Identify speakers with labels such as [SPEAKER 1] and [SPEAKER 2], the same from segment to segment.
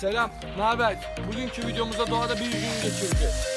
[SPEAKER 1] Selam, ne haber? Bugünkü videomuzda doğada bir gün geçireceğiz.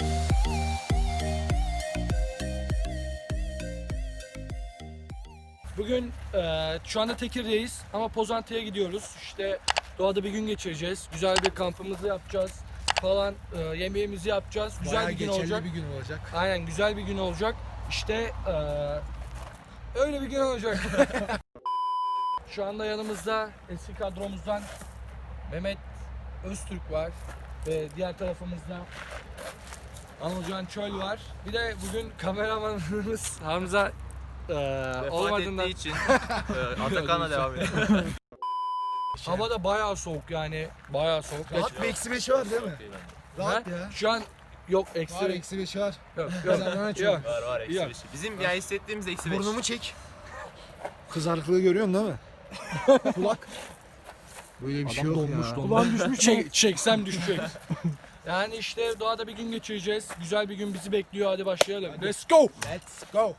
[SPEAKER 1] Bugün şu anda Tekir'deyiz ama Pozantı'ya gidiyoruz. İşte doğada bir gün geçireceğiz. Güzel bir kampımızı yapacağız falan, yemeğimizi yapacağız. Güzel
[SPEAKER 2] Bayağı
[SPEAKER 1] bir gün
[SPEAKER 2] geçerli
[SPEAKER 1] olacak.
[SPEAKER 2] bir gün olacak.
[SPEAKER 1] Aynen, güzel bir gün olacak. İşte öyle bir gün olacak. Şu anda yanımızda eski kadromuzdan Mehmet Öztürk var ve diğer tarafımızda Anılcan Çöl var. Bir de bugün kameramanımız Hamza olmadığından
[SPEAKER 3] ettiği için Atakan'la devam edelim.
[SPEAKER 1] hava da bayağı soğuk, yani bayağı soğuk.
[SPEAKER 2] Rahat bir eksi 5'i var değil mi? Rahat
[SPEAKER 1] Ha?
[SPEAKER 2] ya.
[SPEAKER 1] Şu an yok
[SPEAKER 2] Var
[SPEAKER 1] eksi.
[SPEAKER 2] eksi 5'i var.
[SPEAKER 1] Yok,
[SPEAKER 2] Senden
[SPEAKER 1] yok,
[SPEAKER 2] çok.
[SPEAKER 1] yok.
[SPEAKER 3] Var eksi
[SPEAKER 1] Yok.
[SPEAKER 3] 5. Bizim yani hissettiğimiz eksi 5.
[SPEAKER 2] Burnumu çek. Kızarıklığı görüyorsun değil mi? Kulak. Böyle bir şey yok ya.
[SPEAKER 1] Ulan düşmüş. Çeksem düşecek. Yani işte doğada bir gün geçireceğiz. Güzel bir gün bizi bekliyor. Hadi başlayalım. Let's go.
[SPEAKER 2] Let's go.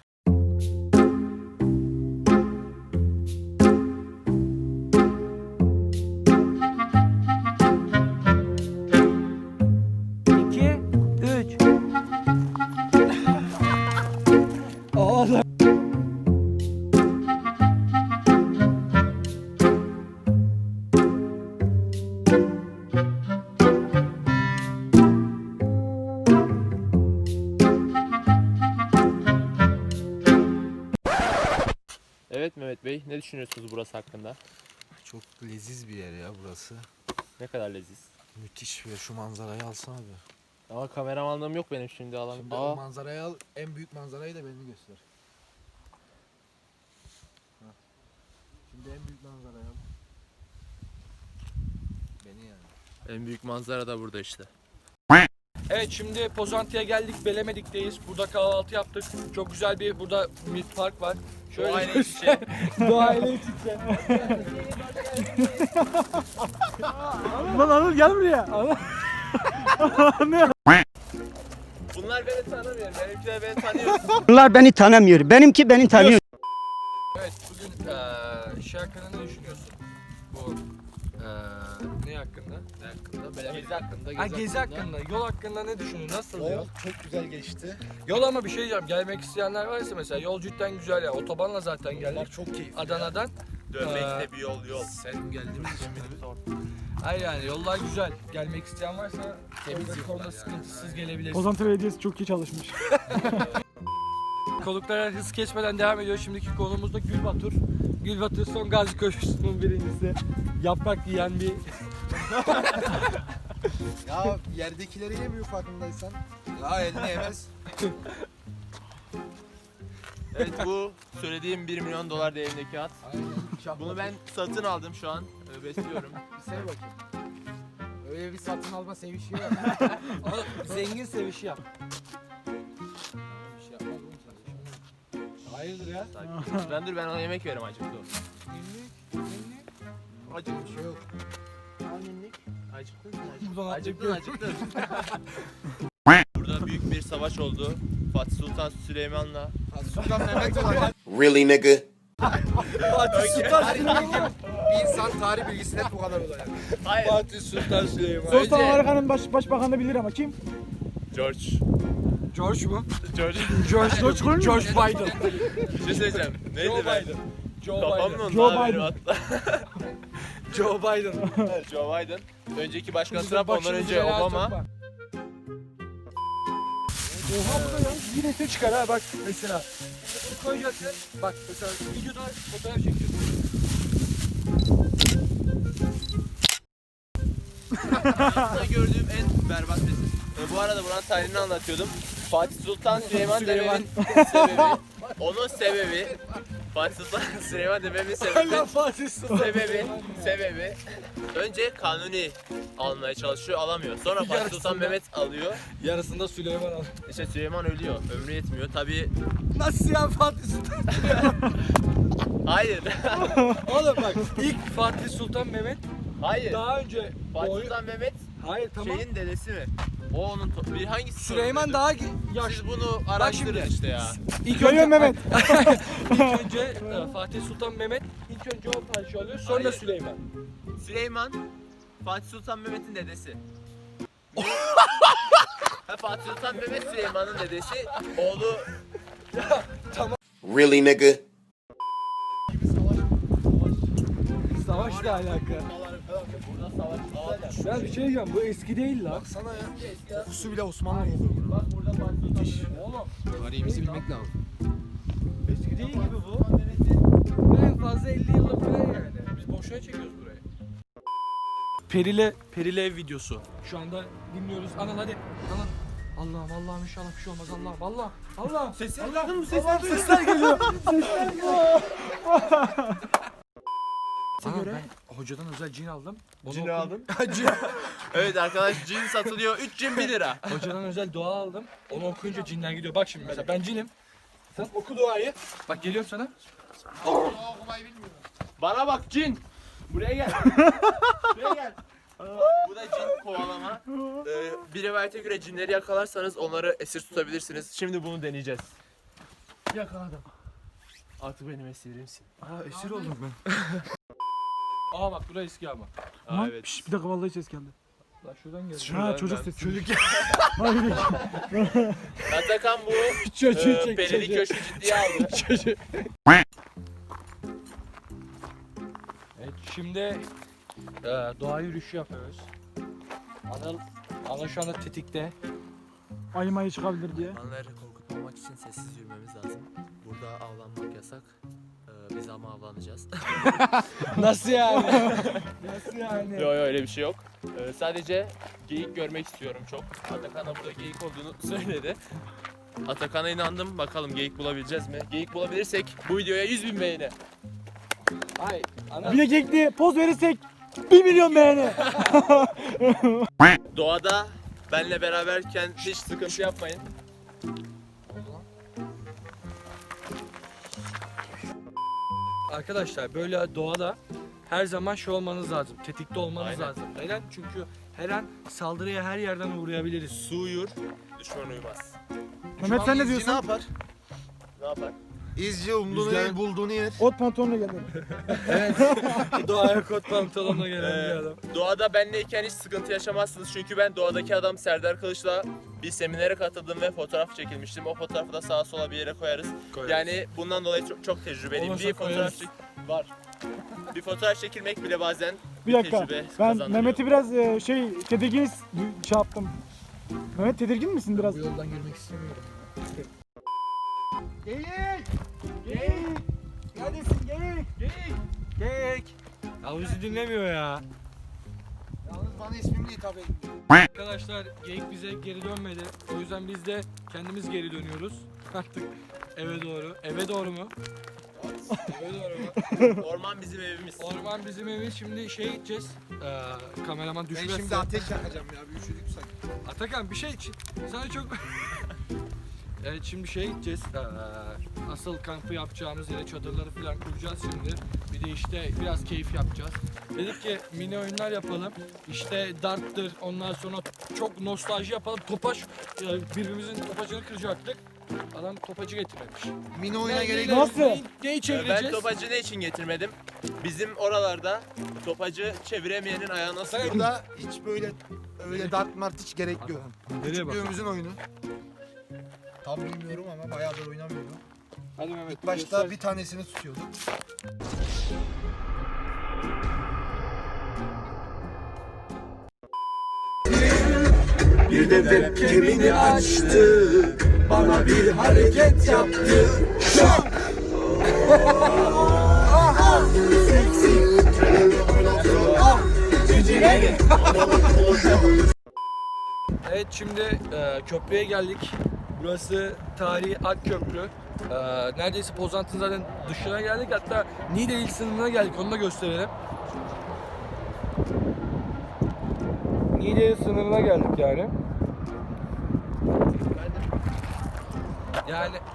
[SPEAKER 1] İki, üç. Allah.
[SPEAKER 3] Evet Mehmet Bey, ne düşünüyorsunuz burası hakkında?
[SPEAKER 2] Çok leziz bir yer ya burası.
[SPEAKER 3] Ne kadar leziz.
[SPEAKER 2] Müthiş ve şu manzarayı alsana abi.
[SPEAKER 3] Ama kameramanlığım yok benim şimdi alan.
[SPEAKER 2] Şimdi o manzarayı al, en büyük manzarayı da beni göster. Ha. Şimdi en büyük manzarayı al. Beni yani.
[SPEAKER 3] En büyük manzara da burada işte.
[SPEAKER 1] Evet, şimdi Pozantı'ya geldik. Belemedik'teyiz. Burada kahvaltı yaptık. Çok güzel bir burada bir park var. Şöyle
[SPEAKER 3] Aile iç içe.
[SPEAKER 1] Doğayla iç içe.
[SPEAKER 4] Lan Anıl gel buraya. Anıl.
[SPEAKER 3] Bunlar beni tanımıyor. Benimkiler beni tanıyor.
[SPEAKER 4] Bunlar beni tanımıyor. Benimki beni tanıyor.
[SPEAKER 1] Evet, bugün şey hakkında ne düşünüyorsun? Bu ne hakkında?
[SPEAKER 3] Ne hakkında? Gezi hakkında.
[SPEAKER 1] Ha, gezi hakkında, yol hakkında ne düşünüyorsun? Nasıl yol?
[SPEAKER 2] Yol çok güzel geçti.
[SPEAKER 1] Yol ama bir şey diyeceğim. Gelmek isteyenler varsa mesela yol cidden güzel ya. Otobanla zaten
[SPEAKER 2] Yollar
[SPEAKER 1] geldik.
[SPEAKER 2] çok keyifli.
[SPEAKER 1] Adana'dan.
[SPEAKER 3] Dönmekte bir yol.
[SPEAKER 2] Sen geldiğimiz için
[SPEAKER 1] Hayır, yani yollar güzel. Gelmek isteyen varsa
[SPEAKER 2] Temiz
[SPEAKER 1] temiz konuda
[SPEAKER 2] yollar
[SPEAKER 1] sıkıntısız
[SPEAKER 2] yani.
[SPEAKER 1] gelebilirsin.
[SPEAKER 4] Pozantı Belediyesi çok iyi çalışmış.
[SPEAKER 1] Konuklara hız geçmeden devam ediyor. Şimdiki konumuz da Gülbatur. Gülbatur son Gazi Köşküsü'nün birincisi. Yaprak yiyen bir...
[SPEAKER 2] Ya yerdekileri yemiyor farkındaysan. Ya elini yemez.
[SPEAKER 3] Evet, bu söylediğim 1 milyon dolar değerindeki at.
[SPEAKER 2] Aynen.
[SPEAKER 3] Bunu ben satın aldım şu an. Besliyorum.
[SPEAKER 2] Bir sev bakayım. Öyle bir satın alma sevişi var.
[SPEAKER 1] Oğlum, zengin sevişi yap.
[SPEAKER 2] Bir şey yapmaz oğlum sen.
[SPEAKER 1] Hayırdır ya?
[SPEAKER 3] Ben ona yemek veririm acıktı.
[SPEAKER 2] Günlük.
[SPEAKER 3] Acıktı.
[SPEAKER 2] Bir şey yok.
[SPEAKER 3] Acıktın.
[SPEAKER 1] Buradan
[SPEAKER 3] Acıktın. Burada büyük bir savaş oldu. Fatih Sultan Süleyman'la.
[SPEAKER 2] Sultan Mehmet olacak.
[SPEAKER 5] Really, nigga?
[SPEAKER 1] Fatih Sultan
[SPEAKER 2] Tarih
[SPEAKER 1] Süleyman.
[SPEAKER 2] bilgim, bir insan tarih bilgisi hep bu kadar olacak.
[SPEAKER 3] Hayır.
[SPEAKER 1] Fatih Sultan Süleyman.
[SPEAKER 4] Sultan Amerika'nın başbakanı bilir ama kim?
[SPEAKER 3] George.
[SPEAKER 1] George mu?
[SPEAKER 3] George.
[SPEAKER 1] George Biden.
[SPEAKER 3] Bir şey söyleyeceğim. Neydi
[SPEAKER 1] Joe
[SPEAKER 3] ben?
[SPEAKER 1] Biden. Joe
[SPEAKER 3] Kafam
[SPEAKER 1] Biden.
[SPEAKER 3] mı
[SPEAKER 4] Joe
[SPEAKER 3] benim
[SPEAKER 4] Biden.
[SPEAKER 3] hatta?
[SPEAKER 1] Joe Biden.
[SPEAKER 3] Joe Biden. Önceki başkan
[SPEAKER 1] Bizim
[SPEAKER 3] Trump, ondan
[SPEAKER 1] başımızda
[SPEAKER 3] önce
[SPEAKER 1] neler
[SPEAKER 3] Obama.
[SPEAKER 1] çok var. Oha, bu da ya bir resim çıkar ha, bak mesela. Koyacaksın, bak mesela videoda fotoğraf çekiyorsun.
[SPEAKER 3] Hayatımda gördüğüm en berbat resim. Bu arada buranın tarihini anlatıyordum. Fatih Sultan Süleyman dememin sebebi, onun sebebi, Fatih Sultan Süleyman dememin sebebi,
[SPEAKER 1] Allah Fatih Sultan.
[SPEAKER 3] sebebi, önce Kanuni almaya çalışıyor, alamıyor. Sonra Fatih Sultan
[SPEAKER 1] Yarısında.
[SPEAKER 3] Mehmet alıyor.
[SPEAKER 1] Yarısında Süleyman al.
[SPEAKER 3] İşte Süleyman ölüyor, ömrü yetmiyor. Tabii,
[SPEAKER 1] Nasıl ya Fatih Sultan?
[SPEAKER 3] hayır,
[SPEAKER 1] Oğlum bak, ilk Fatih Sultan Mehmet
[SPEAKER 3] hayır.
[SPEAKER 1] daha önce
[SPEAKER 3] Fatih
[SPEAKER 1] oy-
[SPEAKER 3] Sultan Mehmet
[SPEAKER 1] Hayır, tamam.
[SPEAKER 3] şeyin dedesi mi? O onun bir hangisi?
[SPEAKER 1] Süleyman
[SPEAKER 3] sorumluydu?
[SPEAKER 1] daha
[SPEAKER 3] Siz
[SPEAKER 1] yaşlı.
[SPEAKER 3] bunu araştırın
[SPEAKER 1] şimdi.
[SPEAKER 3] işte ya.
[SPEAKER 1] İlk
[SPEAKER 4] Görüyor Mehmet.
[SPEAKER 1] ilk önce Fatih Sultan Mehmet ilk önce o padişah oluyor, sonra
[SPEAKER 3] Hayır.
[SPEAKER 1] Süleyman.
[SPEAKER 3] Süleyman Fatih Sultan Mehmet'in dedesi. Ha, Fatih Sultan Mehmet Süleyman'ın dedesi. Oğlu
[SPEAKER 5] Really, nigga?
[SPEAKER 1] Savaşla alaka.
[SPEAKER 3] burada savaş.
[SPEAKER 1] Ben bir şey diyeceğim, bu eski değil lan.
[SPEAKER 2] Baksana ya. Kokusu bile Osmanlı kokuyor.
[SPEAKER 3] Bak burada Fatih Sultan Mehmet.
[SPEAKER 1] Oğlum
[SPEAKER 2] Tarihimizi bilmek lazım.
[SPEAKER 1] eski değil gibi bu. En fazla 50 yıllık falan yani. Biz boşuna çekiyoruz burayı. Perile ev videosu. Şu anda dinliyoruz. Anan hadi. Anan. Allah'ım inşallah bir şey olmaz. Allah.
[SPEAKER 3] Sesini
[SPEAKER 1] Allah'ım sesler geliyor. Göre ben hocadan özel cin aldım.
[SPEAKER 3] Cin aldın. Evet arkadaş, cin satılıyor. 3 cin 1 lira.
[SPEAKER 1] Hocadan özel dua aldım. Onu okuyunca cinler gidiyor. Bak şimdi mesela ben cinim. Sen oku duayı. Bak geliyorum sana.
[SPEAKER 3] Bana bak cin. Buraya gel. Buraya gel. Bu da cin kovalama. Bir rivayete göre cinleri yakalarsanız onları esir tutabilirsiniz. Şimdi bunu deneyeceğiz.
[SPEAKER 1] Yakaladım.
[SPEAKER 3] Artık benim esirimsin.
[SPEAKER 1] Esir oldum ben. Aa bak burası eski ama.
[SPEAKER 3] Aa, evet.
[SPEAKER 4] Bir dakika vallahi ses geldi.
[SPEAKER 1] Lan şuradan gel.
[SPEAKER 4] Ha çocuk sesi. Çocuk.
[SPEAKER 3] Atakan bu Perili köşkü ciddiye aldı.
[SPEAKER 1] Evet şimdi doğa yürüyüşü yapıyoruz. Anıl şu anda tetikte.
[SPEAKER 4] Ayı mayı çıkabilir diye.
[SPEAKER 3] Hayvanları korkutmamak için sessiz yürümemiz lazım. Burada avlanmak yasak. Biz ama avlanacağız.
[SPEAKER 1] Nasıl yani? Nasıl yani?
[SPEAKER 3] Yok öyle bir şey yok. Sadece geyik görmek istiyorum çok. Atakan da burada geyik olduğunu söyledi. Atakan'a inandım. Bakalım geyik bulabileceğiz mi? Geyik bulabilirsek bu videoya 100.000 beğeni.
[SPEAKER 1] Ay ana.
[SPEAKER 4] Bir de kekli poz verirsek 1 milyon beğeni.
[SPEAKER 3] Doğada benle beraberken hiç sıkıntı yapmayın.
[SPEAKER 1] Arkadaşlar böyle doğada her zaman şey olmanız lazım. Tetikte olmanız
[SPEAKER 3] Aynen.
[SPEAKER 1] lazım. Neden? Çünkü her an saldırıya her yerden uğrayabiliriz.
[SPEAKER 3] Su uyur, düşman uyumaz.
[SPEAKER 4] Mehmet sen ne diyorsun?
[SPEAKER 2] Ne yapar?
[SPEAKER 3] Ne yapar?
[SPEAKER 2] İzci umduğunu
[SPEAKER 1] Rüzgar-
[SPEAKER 2] yer, bulduğunu yer.
[SPEAKER 4] Ot pantolonla geldi.
[SPEAKER 1] Evet. Doğaya kot pantolonla gelen bir adam.
[SPEAKER 3] Doğada benleyken hiç sıkıntı yaşamazsınız çünkü ben doğadaki adam Serdar Kılıç'la bir seminere katıldım ve fotoğraf çekilmiştim. O fotoğrafı da sağa sola bir yere koyarız. Yani bundan dolayı çok tecrübeliyim.
[SPEAKER 1] Olmasa
[SPEAKER 3] Bir fotoğraf
[SPEAKER 1] koyarız.
[SPEAKER 3] var. Bir fotoğraf çekilmek bile bazen
[SPEAKER 4] Bir dakika.
[SPEAKER 3] tecrübe
[SPEAKER 4] Ben
[SPEAKER 3] kazandırıyor.
[SPEAKER 4] Mehmet'i biraz tedirgin şey yaptım. Mehmet tedirgin misin biraz?
[SPEAKER 2] Bu yoldan yürümek istemiyorum.
[SPEAKER 4] Geyik! Geyik! Neredesin geyik?
[SPEAKER 1] Geyik. Ya bizi dinlemiyor ya.
[SPEAKER 2] Yalnız bana ismimle hitap edin.
[SPEAKER 1] Arkadaşlar geyik bize geri dönmedi. O yüzden biz de kendimiz geri dönüyoruz. Artık eve doğru. Eve doğru mu? Eve doğru mu?
[SPEAKER 3] Orman bizim evimiz.
[SPEAKER 1] Orman bizim evimiz. Şimdi gideceğiz. Kameraman
[SPEAKER 2] Ben
[SPEAKER 1] düşmezse.
[SPEAKER 2] şimdi ateş yakacağım ya. Bir üşüdük sanki.
[SPEAKER 1] Atakan bir şey için. Sana çok... Evet şimdi gideceğiz. Asıl kampı yapacağımız yere çadırları falan kuracağız şimdi. Bir de işte biraz keyif yapacağız. Dedik ki mini oyunlar yapalım. İşte darttır, ondan sonra çok nostalji yapalım. Topaç, birbirimizin topacını kıracaktık. Adam topacı getirmemiş.
[SPEAKER 2] Mini oyuna gerek
[SPEAKER 1] Neyi-
[SPEAKER 2] yok.
[SPEAKER 4] Nasıl?
[SPEAKER 1] Neyi
[SPEAKER 3] Ben
[SPEAKER 1] çevireceğiz?
[SPEAKER 3] topacı ne için getirmedim? Bizim oralarda topacı çeviremeyenin ayağına sıkıyor.
[SPEAKER 2] Burada hiç böyle öyle dart mart hiç gerek yok.
[SPEAKER 1] Nereye bak?
[SPEAKER 2] Küçüklüğümüzün oyunu. Tam bilmiyorum ama bayağıdır oynamıyorum.
[SPEAKER 1] Hadi Mehmet.
[SPEAKER 2] İlk başta bir tanesini tutuyorduk.
[SPEAKER 5] Bir de webcam'ini açtı, bana bir hareket yaptı. Şak! Seksi.
[SPEAKER 1] Evet şimdi köprüye geldik. Burası tarihi Akköprü. Neredeyse Pozantı'nın zaten dışına geldik. Hatta Niğde il sınırına geldik. Onu da gösterelim. Niğde il sınırına geldik yani. Yani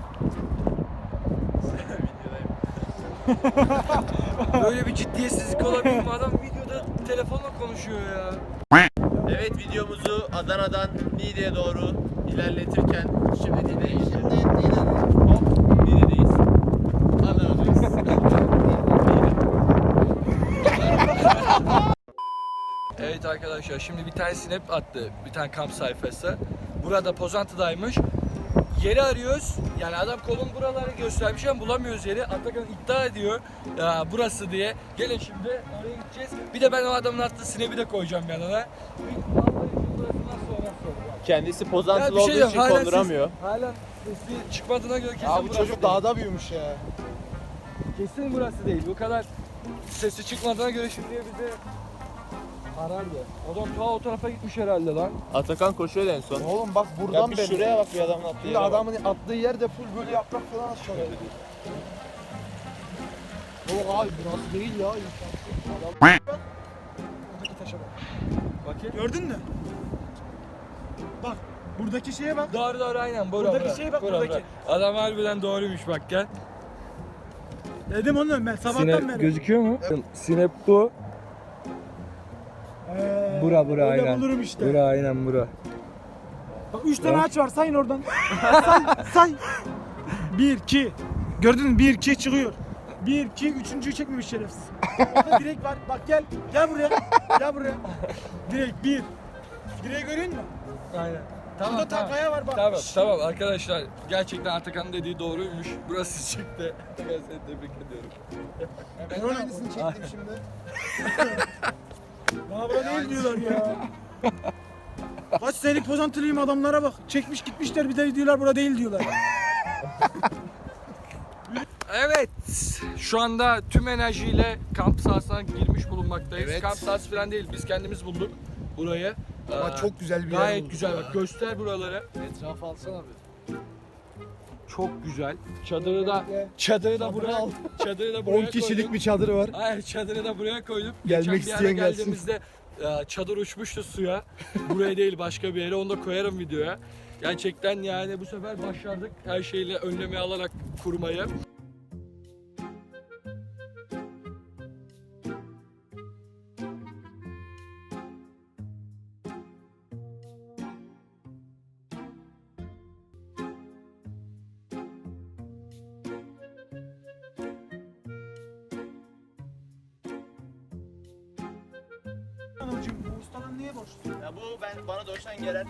[SPEAKER 1] böyle bir ciddiyetsizlik olabilir mi? Adam videoda telefonla konuşuyor ya.
[SPEAKER 3] Evet, videomuzu Adana'dan Niğde'ye doğru ilerletirken şimdi Niğde'deyiz. Niğde'deyiz. Adana'dayız.
[SPEAKER 1] Evet arkadaşlar, şimdi bir tane snap attı, bir tane kamp sayfası. Burada Pozantı'daymış. Yeri arıyoruz. Yani adam kolun buraları göstermiş ama bulamıyoruz yeri. Atakan iddia ediyor burası diye. Gelin şimdi oraya gideceğiz. Bir de ben o adamın attığı snap'i de koyacağım yanına.
[SPEAKER 3] Kendisi
[SPEAKER 1] Ya
[SPEAKER 3] pozantılı
[SPEAKER 1] bir şey
[SPEAKER 3] olduğu
[SPEAKER 1] yok,
[SPEAKER 3] için
[SPEAKER 1] hala
[SPEAKER 3] konduramıyor.
[SPEAKER 1] Halen sesi çıkmadığına göre kesin
[SPEAKER 2] Abi bu
[SPEAKER 1] burası
[SPEAKER 2] çocuk
[SPEAKER 1] değil.
[SPEAKER 2] dağda büyümüş ya.
[SPEAKER 1] Kesin burası değil. Bu kadar sesi çıkmadığına göre şimdiye bize arardı. Adam ta o tarafa gitmiş herhalde lan.
[SPEAKER 3] Atakan koşuyor en son.
[SPEAKER 2] Oğlum bak
[SPEAKER 3] Ya
[SPEAKER 2] buradan
[SPEAKER 3] bir
[SPEAKER 2] belli.
[SPEAKER 3] şuraya bak, bir adamın attığı
[SPEAKER 2] Şimdi
[SPEAKER 3] yere bak.
[SPEAKER 2] adamın attığı yer de full böyle yaprak falan aşağıya gidiyor. Yok abi burası değil ya. Adam... Oradaki taşa bak.
[SPEAKER 1] Bakayım.
[SPEAKER 4] Gördün mü? Bak buradaki şeye bak.
[SPEAKER 1] Doğru aynen. Bura,
[SPEAKER 4] Buradaki
[SPEAKER 1] bura.
[SPEAKER 4] şeye bak,
[SPEAKER 1] Bura,
[SPEAKER 4] buradaki.
[SPEAKER 1] bura. Adam harbiden doğruymuş bak gel.
[SPEAKER 4] Dedim onu ben sabahtan beri.
[SPEAKER 1] Gözüküyor mu? Sinep bu. Bura
[SPEAKER 4] Öyle
[SPEAKER 1] aynen.
[SPEAKER 4] bulurum işte.
[SPEAKER 1] Bura aynen bura.
[SPEAKER 4] Bak 3 tane ağaç var, sayın oradan. say. 1 2. Gördün mü? 1 2 çıkıyor. 1 2 üçüncüyü çekmemiş şerefsiz. Orada direk var. Bak gel. Gel buraya. Gel buraya. Direk 1. Direği görüyor musun?
[SPEAKER 1] Aynen.
[SPEAKER 4] Burada takaya var bak.
[SPEAKER 1] Tamam arkadaşlar, gerçekten Atakan'ın dediği doğruymuş. Burası çıktı. Atakan, seni tebrik ediyorum.
[SPEAKER 2] Ben onun aynısını çektim şimdi.
[SPEAKER 4] Bana burada değil diyorlar ya. Kaç senelik pozantılıyım, adamlara bak. Çekmiş gitmişler, bir de diyorlar burada değil diyorlar.
[SPEAKER 1] Evet, şu anda tüm enerjiyle kamp sahasına girmiş bulunmaktayız.
[SPEAKER 2] Evet.
[SPEAKER 1] Kamp sahası falan değil, biz kendimiz bulduk burayı.
[SPEAKER 2] Ama çok güzel bir yer
[SPEAKER 1] gayet
[SPEAKER 2] bulduk
[SPEAKER 1] güzel
[SPEAKER 2] ya.
[SPEAKER 1] bak, göster buraları.
[SPEAKER 2] Etrafı alsana abi.
[SPEAKER 1] Çok güzel. Çadırı da buraya
[SPEAKER 2] 10 kişilik bir çadır var.
[SPEAKER 1] Hayır, çadırı da buraya koydum.
[SPEAKER 2] Gelmek
[SPEAKER 1] Geçen bir ara
[SPEAKER 2] isteyen gelsin.
[SPEAKER 1] geldiğimizde çadır uçmuştu suya. Buraya değil, başka bir yere, onu da koyarım videoya. Gerçekten yani bu sefer başardık her şeyle önlemi alarak kurmayı.
[SPEAKER 4] Anacığım bu ustadan niye borçlu?
[SPEAKER 3] Ya bu bana doğuştan gelen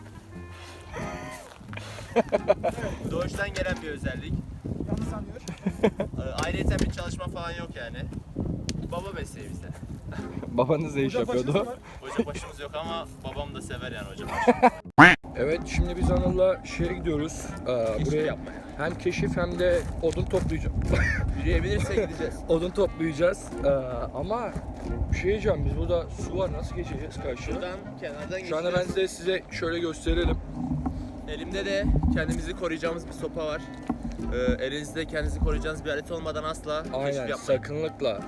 [SPEAKER 3] doğuştan gelen bir özellik.
[SPEAKER 4] Yanlış sanıyor.
[SPEAKER 3] Ayrıca bir çalışma falan yok yani. Baba mesleği bizde.
[SPEAKER 1] Babanız ne iş
[SPEAKER 4] Burada başınız
[SPEAKER 1] yapıyordu?
[SPEAKER 4] var.
[SPEAKER 3] Hoca başımız yok ama babam da sever yani hoca
[SPEAKER 1] Evet, şimdi biz Anıl'la şeye gidiyoruz.
[SPEAKER 3] Keşif
[SPEAKER 1] Buraya
[SPEAKER 3] yapmaya.
[SPEAKER 1] hem keşif hem de odun toplayacağız.
[SPEAKER 3] Yürüyebilirsek gideceğiz.
[SPEAKER 1] Odun toplayacağız. Ama bir şey diyeceğim, biz burada su var, nasıl geçeceğiz karşıya?
[SPEAKER 3] Şuradan kenardan
[SPEAKER 1] Şu anda ben
[SPEAKER 3] geçeceğiz.
[SPEAKER 1] size şöyle gösterelim.
[SPEAKER 3] Elimde de kendimizi koruyacağımız bir sopa var. Elinizde kendinizi koruyacağınız bir alet olmadan asla keşif
[SPEAKER 1] Aynen,
[SPEAKER 3] yapmayın.
[SPEAKER 1] sakınlıkla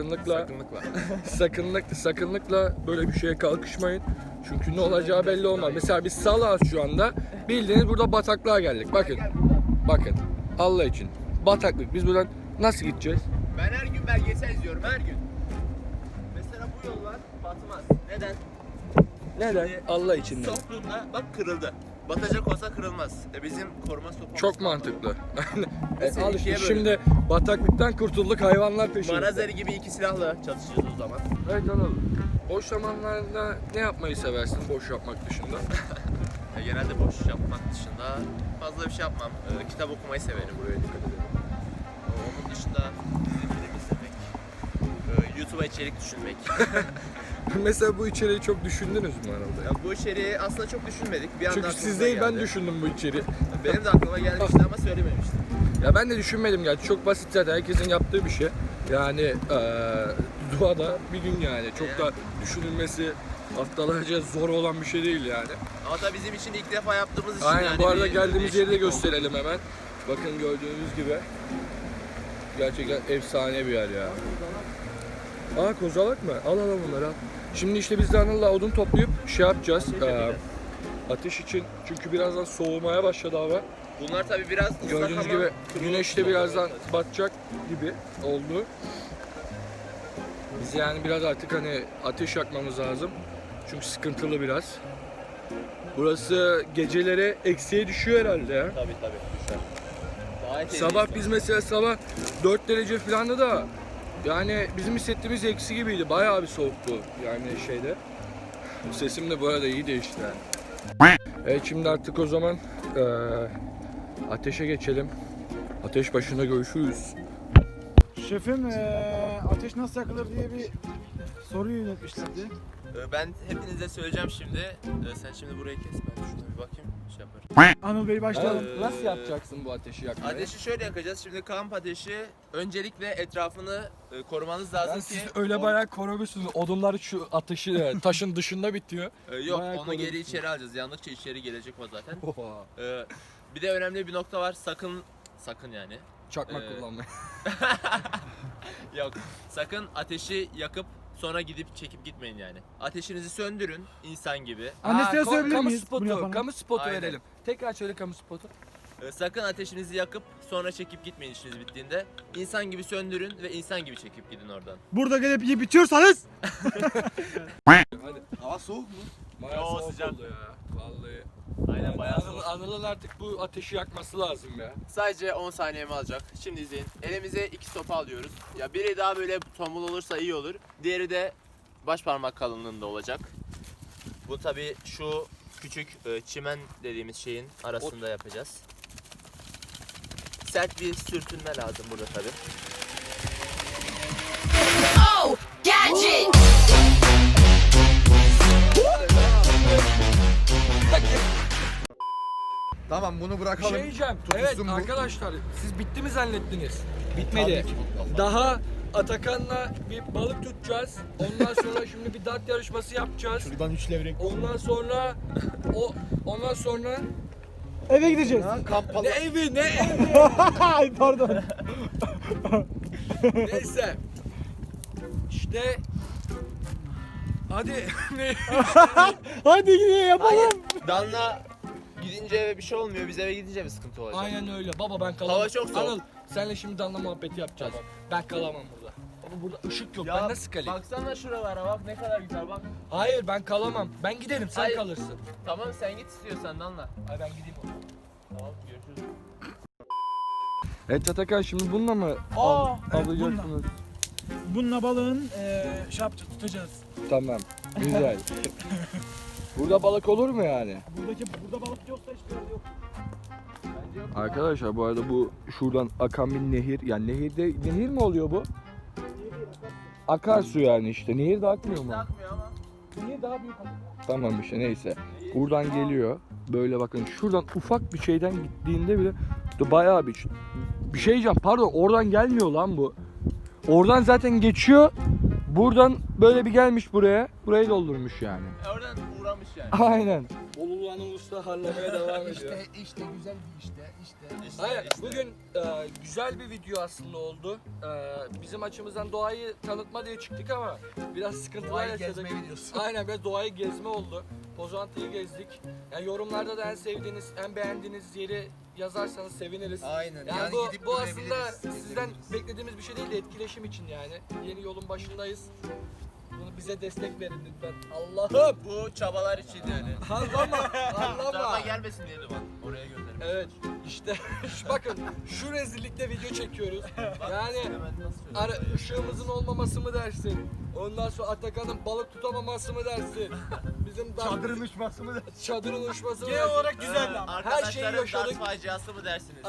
[SPEAKER 3] Sakınlıkla.
[SPEAKER 1] sakınlıkla böyle bir şeye kalkışmayın. Çünkü ne olacağı belli olmaz. Mesela biz salağız şu anda. Bildiğiniz burada bataklığa geldik. Bakın. Allah için. Bataklık. Biz buradan nasıl gideceğiz?
[SPEAKER 3] Ben her gün belgesel izliyorum, her gün. Mesela bu yollar batmaz. Neden?
[SPEAKER 1] Neden?
[SPEAKER 3] Şimdi
[SPEAKER 1] Allah için.
[SPEAKER 3] Soktuğunda bak kırıldı. Batacak olsa kırılmaz. Bizim koruma sopamız
[SPEAKER 1] Çok
[SPEAKER 3] var.
[SPEAKER 1] mantıklı.
[SPEAKER 3] Mesela
[SPEAKER 1] Al
[SPEAKER 3] ikiye
[SPEAKER 1] işte
[SPEAKER 3] bölün.
[SPEAKER 1] şimdi bataklıktan kurtulduk, hayvanlar peşinde.
[SPEAKER 3] Marazeri gibi iki silahla çalışacağız o zaman.
[SPEAKER 1] Evet Anıl. Boş zamanlarında ne yapmayı seversin boş yapmak dışında?
[SPEAKER 3] Genelde boş yapmak dışında fazla bir şey yapmam. Kitap okumayı severim, buraya dikkat ederim. Onun dışında dizi film izlemek, YouTube'a içerik düşünmek.
[SPEAKER 1] Mesela bu içeriği çok düşündünüz mü Anıl'da?
[SPEAKER 3] Ya bu içeriği aslında çok düşünmedik. Bir anda
[SPEAKER 1] Çünkü
[SPEAKER 3] aklımıza
[SPEAKER 1] siz değil, ben
[SPEAKER 3] geldi.
[SPEAKER 1] düşündüm bu içeriği.
[SPEAKER 3] Benim de aklıma gelmişti ama söylememiştim.
[SPEAKER 1] Ya ben de düşünmedim gerçi, çok basit zaten, herkesin yaptığı bir şey. Yani doğada bir gün yani, çok da düşünülmesi haftalarca zor olan bir şey değil yani.
[SPEAKER 3] Ama da bizim için ilk defa yaptığımız için
[SPEAKER 1] Aynen,
[SPEAKER 3] yani
[SPEAKER 1] bu arada
[SPEAKER 3] bir
[SPEAKER 1] geldiğimiz yeri de
[SPEAKER 3] değişiklik oldu.
[SPEAKER 1] gösterelim hemen. Bakın gördüğünüz gibi. Gerçekten efsane bir yer ya. Aa, kozalak mı? Al bunları al. Şimdi işte biz de Anıl'la odun toplayıp şey yapacağız. Ateş için, çünkü birazdan soğumaya başladı hava.
[SPEAKER 3] Bunlar tabii biraz ıslak
[SPEAKER 1] Gördüğünüz
[SPEAKER 3] ama
[SPEAKER 1] gibi
[SPEAKER 3] kuru
[SPEAKER 1] güneş de
[SPEAKER 3] olmalı.
[SPEAKER 1] birazdan batacak gibi oldu. Biz yani biraz artık hani ateş yakmamız lazım. Çünkü sıkıntılı biraz. Burası geceleri eksiye düşüyor herhalde ya.
[SPEAKER 3] Tabii düşer. Gayet
[SPEAKER 1] Sabah
[SPEAKER 3] iyi.
[SPEAKER 1] biz mesela sabah 4 derece falandı da yani bizim hissettiğimiz eksi gibiydi. Bayağı bir soğuktu yani şeyde. Sesim de bu arada iyi değişti yani. Evet şimdi artık o zaman ateşe geçelim. Ateş başında görüşürüz.
[SPEAKER 4] Şefim ateş nasıl yakılır diye bir soru yönetmişlerdi.
[SPEAKER 3] Ben hepinize söyleyeceğim şimdi. Sen şimdi burayı kes, ben şuna bir bakayım, şey yaparım.
[SPEAKER 4] Anıl Bey başlayalım.
[SPEAKER 1] Nasıl yapacaksın bu ateşi yakmayı?
[SPEAKER 3] Ateşi şöyle yakacağız. Şimdi kamp ateşi, öncelikle etrafını korumanız lazım
[SPEAKER 1] Yani
[SPEAKER 3] ki...
[SPEAKER 1] siz öyle bayağı korumuşsunuz. Odunlar şu ateşi taşın dışında bitiyor.
[SPEAKER 3] Yok,
[SPEAKER 1] bayağı
[SPEAKER 3] onu geri
[SPEAKER 1] korumuşsunuz.
[SPEAKER 3] içeri alacağız. Yandıkça içeri gelecek o zaten.
[SPEAKER 1] Oha.
[SPEAKER 3] Bir de önemli bir nokta var. Sakın yani.
[SPEAKER 1] Çakmak
[SPEAKER 3] Ee,
[SPEAKER 1] kullanmayı.
[SPEAKER 3] Yok. Sakın ateşi yakıp sonra gidip çekip gitmeyin yani. Ateşinizi söndürün insan gibi.
[SPEAKER 4] Annesine söyleyebilir
[SPEAKER 1] kamu
[SPEAKER 4] miyiz bunu
[SPEAKER 1] spotu,
[SPEAKER 4] yapana?
[SPEAKER 1] kamu spotu
[SPEAKER 3] Aynen.
[SPEAKER 1] verelim. Tekrar söyle kamu spotu.
[SPEAKER 3] Sakın ateşinizi yakıp sonra çekip gitmeyin işiniz bittiğinde. İnsan gibi söndürün ve insan gibi çekip gidin oradan.
[SPEAKER 4] Burada gelip yiyip bitiyorsanız
[SPEAKER 1] Hadi.
[SPEAKER 2] Hava soğuk mu?
[SPEAKER 1] Bayağı
[SPEAKER 3] Yo,
[SPEAKER 1] soğuk
[SPEAKER 3] sıcak.
[SPEAKER 1] oldu ya. Vallahi.
[SPEAKER 3] Aynen, bayağı soğuk.
[SPEAKER 1] Anıl'ın artık bu ateşi yakması lazım ya.
[SPEAKER 3] Sadece 10 saniyemi alacak. Şimdi izleyin. Elimize 2 sopa alıyoruz. Ya biri daha böyle tombul olursa iyi olur. Diğeri de baş parmak kalınlığında olacak. Bu tabi şu küçük çimen dediğimiz şeyin arasında yapacağız. Sert bir sürtünme lazım burada tabi.
[SPEAKER 6] Oh, gadget!
[SPEAKER 2] Tamam bunu
[SPEAKER 1] Bir
[SPEAKER 2] bırakalım.
[SPEAKER 1] şey diyeceğim.
[SPEAKER 2] Tutuşsun
[SPEAKER 1] Evet
[SPEAKER 2] bu.
[SPEAKER 1] arkadaşlar siz bitti mi zannettiniz?
[SPEAKER 2] Tabii
[SPEAKER 1] Bitmedi.
[SPEAKER 2] ki bitmedi.
[SPEAKER 1] Daha Atakan'la bir balık tutacağız. Ondan sonra şimdi bir dart yarışması yapacağız.
[SPEAKER 2] Şuradan 3 levrek.
[SPEAKER 1] Ondan sonra
[SPEAKER 4] eve gideceğiz.
[SPEAKER 2] Ha, kamp
[SPEAKER 1] ne
[SPEAKER 2] falan.
[SPEAKER 1] evi ne evi
[SPEAKER 4] Ay pardon.
[SPEAKER 1] neyse. İşte hadi ne?
[SPEAKER 4] Hadi gidelim yapalım.
[SPEAKER 3] Danla gidince eve bir şey olmuyor. Biz eve gidince bir sıkıntı olacak.
[SPEAKER 1] Aynen öyle. Baba ben kalamam.
[SPEAKER 3] Hava çok soğuk.
[SPEAKER 1] Anıl senle şimdi damla muhabbeti yapacağız. Ben kalamam burada. Baba burada ışık yok.
[SPEAKER 3] Ya,
[SPEAKER 1] ben nasıl kalayım?
[SPEAKER 3] baksana şuralara bak ne kadar güzel bak.
[SPEAKER 1] Hayır ben kalamam. Ben giderim sen
[SPEAKER 3] Hayır.
[SPEAKER 1] kalırsın.
[SPEAKER 3] Tamam sen git istiyorsan Danla.
[SPEAKER 1] Ay ben gideyim o zaman.
[SPEAKER 3] Tamam görüşürüz.
[SPEAKER 1] Evet Atakan şimdi bununla mı
[SPEAKER 4] Evet,
[SPEAKER 1] alacaksınız?
[SPEAKER 4] Bununla balığın şey yapacağız, tutacağız.
[SPEAKER 1] Tamam. Güzel. Burada balık olur mu yani?
[SPEAKER 4] Burada balık yoksa hiçbir yerde yok.
[SPEAKER 1] Arkadaşlar bu arada bu şuradan akan bir nehir. Yani nehir mi oluyor bu? Akarsu yani işte. Nehir de akmıyor mu?
[SPEAKER 3] Takmıyor ama.
[SPEAKER 4] Niye daha büyük balık?
[SPEAKER 1] Tamam işte neyse. Buradan geliyor. Böyle bakın şuradan ufak bir şeyden gittiğinde bile bayağı bir şey diyeceğim. Pardon oradan gelmiyor lan bu. Oradan zaten geçiyor. Buradan böyle bir gelmiş buraya. Burayı doldurmuş yani.
[SPEAKER 3] Oradan uğramış yani.
[SPEAKER 1] Aynen. Bolulu Anıl Usta harlamaya devam ediyor.
[SPEAKER 2] İşte güzel bir işte.
[SPEAKER 1] Hayır, bugün güzel bir video aslında oldu. Bizim açımızdan doğayı tanıtma diye çıktık ama biraz sıkıntılar
[SPEAKER 2] Doğayı
[SPEAKER 1] yaşadık.
[SPEAKER 2] gezme videosu.
[SPEAKER 1] Aynen, biraz doğayı gezme oldu. Pozantı'yı gezdik. Yani yorumlarda da en sevdiğiniz, en beğendiğiniz yeri yazarsanız seviniriz.
[SPEAKER 2] Aynen.
[SPEAKER 1] Yani bu aslında sizden beklediğimiz bir şey değil de etkileşim için yani. Yeni yolun başındayız. Bunu bize destek verin lütfen. Allah'ım!
[SPEAKER 3] Bu çabalar için öyle.
[SPEAKER 1] Anlama!
[SPEAKER 3] Danla
[SPEAKER 1] Anlama!
[SPEAKER 3] gelmesin diye duman. Oraya gönderim.
[SPEAKER 1] Evet işte bakın şu rezillikte video çekiyoruz. Yani
[SPEAKER 3] Hemen nasıl çözüm?
[SPEAKER 1] ışığımızın olmaması mı dersin? Ondan sonra Atakan'ın balık tutamaması mı dersin? Bizim
[SPEAKER 2] Çadırın uçması mı?
[SPEAKER 1] çadırın uçması mı
[SPEAKER 4] Genel
[SPEAKER 1] dersin?
[SPEAKER 4] olarak güzeldi ama.
[SPEAKER 1] Her şeyi
[SPEAKER 3] Arkadaşların
[SPEAKER 1] yaşadık.
[SPEAKER 3] dart faciası mı dersiniz?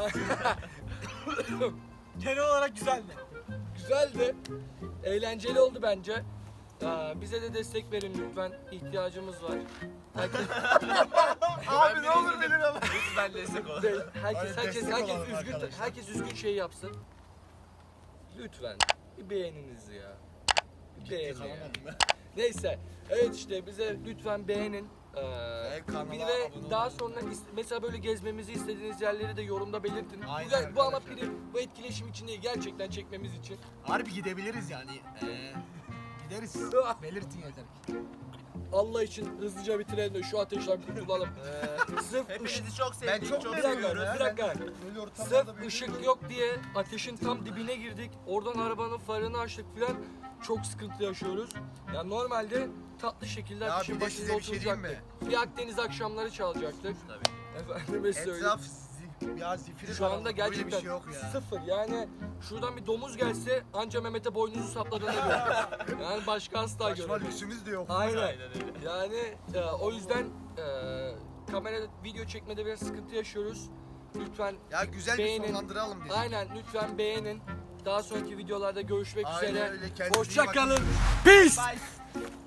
[SPEAKER 4] Genel olarak güzeldi.
[SPEAKER 1] Güzeldi. Eğlenceli oldu bence. Bize de destek verin lütfen. İhtiyacımız var.
[SPEAKER 2] Abi ne olur benim ama.
[SPEAKER 3] Lütfen destek olun.
[SPEAKER 1] Herkes
[SPEAKER 2] destek olalım
[SPEAKER 1] üzgün.
[SPEAKER 2] arkadaşlar.
[SPEAKER 1] Herkes üzgün şey yapsın. Lütfen bir beğeniniz ya. Bir beğenin ya. Neyse. Evet işte bize lütfen beğenin.
[SPEAKER 2] kanala
[SPEAKER 1] Bir ve
[SPEAKER 2] abone
[SPEAKER 1] daha
[SPEAKER 2] olun.
[SPEAKER 1] sonra mesela böyle gezmemizi istediğiniz yerleri de yorumda belirtin.
[SPEAKER 2] Aynen
[SPEAKER 1] Bu ama
[SPEAKER 2] arkadaşlar.
[SPEAKER 1] bu etkileşim için değil, gerçekten çekmemiz için.
[SPEAKER 2] Harbi gidebiliriz yani. Gideriz. Belirtin yeter ki.
[SPEAKER 1] Allah için hızlıca bitirelim de şu ateşten kurtulalım. Sırf ışık,
[SPEAKER 3] Hepinizi çok
[SPEAKER 2] Ben
[SPEAKER 3] sevdik.
[SPEAKER 2] çok
[SPEAKER 3] çok
[SPEAKER 1] bir dakika,
[SPEAKER 3] seviyoruz.
[SPEAKER 1] bir dakika.
[SPEAKER 2] Böyle ortamlarda
[SPEAKER 1] Sırf
[SPEAKER 2] böyle-
[SPEAKER 1] ışık yok diye ateşin tam dibine girdik. Oradan arabanın farını açtık filan. Çok sıkıntı yaşıyoruz. Ya normalde tatlı şekilde
[SPEAKER 2] Ya
[SPEAKER 1] ateşin
[SPEAKER 2] bir de
[SPEAKER 1] başında
[SPEAKER 2] size bir şey diyeyim
[SPEAKER 1] oturacaktık. Bir Akdeniz akşamları çalacaktık.
[SPEAKER 3] Tabii.
[SPEAKER 1] Efendime söyleyeyim.
[SPEAKER 2] Etraf Ya zifiri
[SPEAKER 1] Şu anda
[SPEAKER 2] karanlık,
[SPEAKER 1] gerçekten
[SPEAKER 2] böyle bir şey yok ya.
[SPEAKER 1] sıfır. Yani şuradan bir domuz gelse anca Mehmet'e boynuzu sapladığını görür. Yani başka asla
[SPEAKER 2] Başka
[SPEAKER 1] göremez.
[SPEAKER 2] lüksümüz de yok.
[SPEAKER 1] Aynen. Yani o yüzden kamera video çekmede biraz sıkıntı yaşıyoruz. Lütfen
[SPEAKER 2] Ya güzel
[SPEAKER 1] beğenin.
[SPEAKER 2] bir sonlandıralım dedik.
[SPEAKER 1] Aynen lütfen beğenin. Daha sonraki videolarda görüşmek
[SPEAKER 2] Aynen
[SPEAKER 1] üzere.
[SPEAKER 2] öyle, kendinize iyi
[SPEAKER 1] Hoşça
[SPEAKER 2] bakın.
[SPEAKER 1] kalın. Peace.
[SPEAKER 3] Bye.